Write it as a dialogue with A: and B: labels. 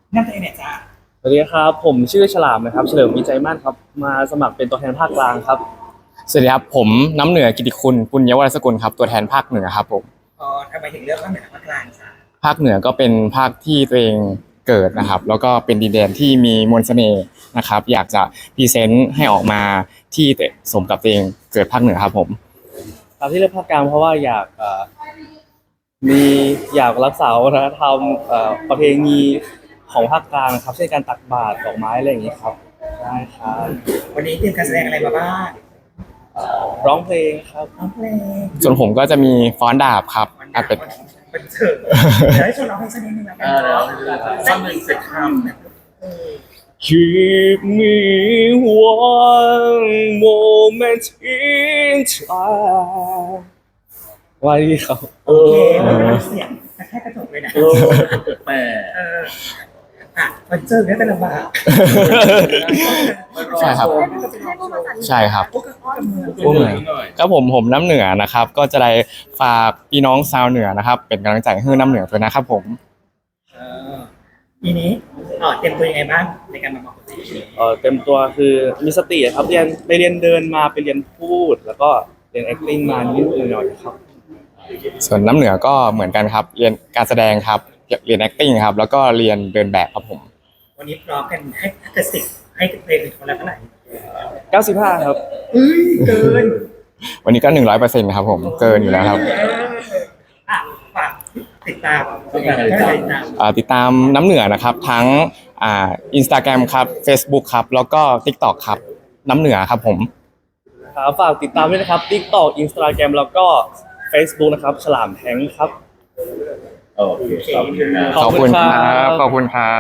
A: นั่นเองเนี่ยจ้า
B: สวัสดีครับผมชื่อฉลามนะครับเฉลิมวิจัยมั่นครับมาสมัครเป็นตัวแทนภาคกลางครับ
C: สวัสดีครับผมน้ำเหนือกิติคุณปุญญวรสกุลครับตัวแทนภาคเหนือครับผม
A: ทำไมถึงเลือกภาคเหนือภาคกลางจ้า
C: ภาคเหนือก็เป็นภาคที่ตัวเองเกิดนะครับแล้วก็เป็นดินแดนที่มีมนต์เสน่ห์นะครับอยากจะพรีเซนต์ให้ออกมาที่สมกับตัวเองเกิดภาคเหนือครับผม
B: ครับที่เลือกภาคกลางเพราะว่ามีอยากรักษาวัฒนธรรมประเพณีของภาคกลางครับเช่นการตักบาตรดอกไม้อะไรอย่างนี้ครับได้ครับ
A: วันนี้เตรียมการแสดงอะไรมาบ้าง
B: ร้องเพลงครับ
A: ร้องเพลง
C: ส่วนผมก็จะมีฟ้อนดาบครับ
A: เป็
C: เป็น
A: เป็นเถิดเดี๋ยวให้ชวนร้องเพลงสักนิดนึงแล้วกันเนาะสักหนึ่งสิบคำ
B: Keep me one moment in time ว่าดีครับ
A: โอเคเสียงแค่กระจกเลยนะแต่มันเจอเนี่ยแต่ลำบาก
C: ใช่ครับใช่ครับ
A: พวกเมือง
C: ครับผมน้ำเหนือนะครับก็จะได้ฝากพี่น้องชาวเหนือนะครับเป็นกำลังใจให้น้ำเหนือด้วยนะครับผม
A: ทีนี้เตรียมตัวยังไงบ้างในการมาบอก
B: เต็มตัวคือมีสติครับเรียนเดินมาไปเรียนพูดแล้วก็เรียน acting มานิดหน่อยครับ
C: ส่วนน้ำเหนือก็เหมือนกันครับเรียนการแสดงครับเรียน acting ครับแล้วก็เรียนเดินแบบครับผม
A: วันนี้พร้อมกันให้ถ้าเกิด10ให้เพลงคนละเท่าไหร่
B: 95ครับ
A: เกิน
C: วันนี้ก็ 100% ครับผมเกินอยู่แล้วครับ
A: ฝากติดตาม
C: ติดตามน้ำเหนือนะครับทั้งInstagram ครับ Facebook ครับแล้วก็ TikTok ครับน้ำเหนือครับผม
B: ครับฝากติดตามด้วยนะครับ TikTok Instagram แล้วก็ Facebook นะครับฉลามแทงครับ
C: ขอบคุณครับขอบคุณครับ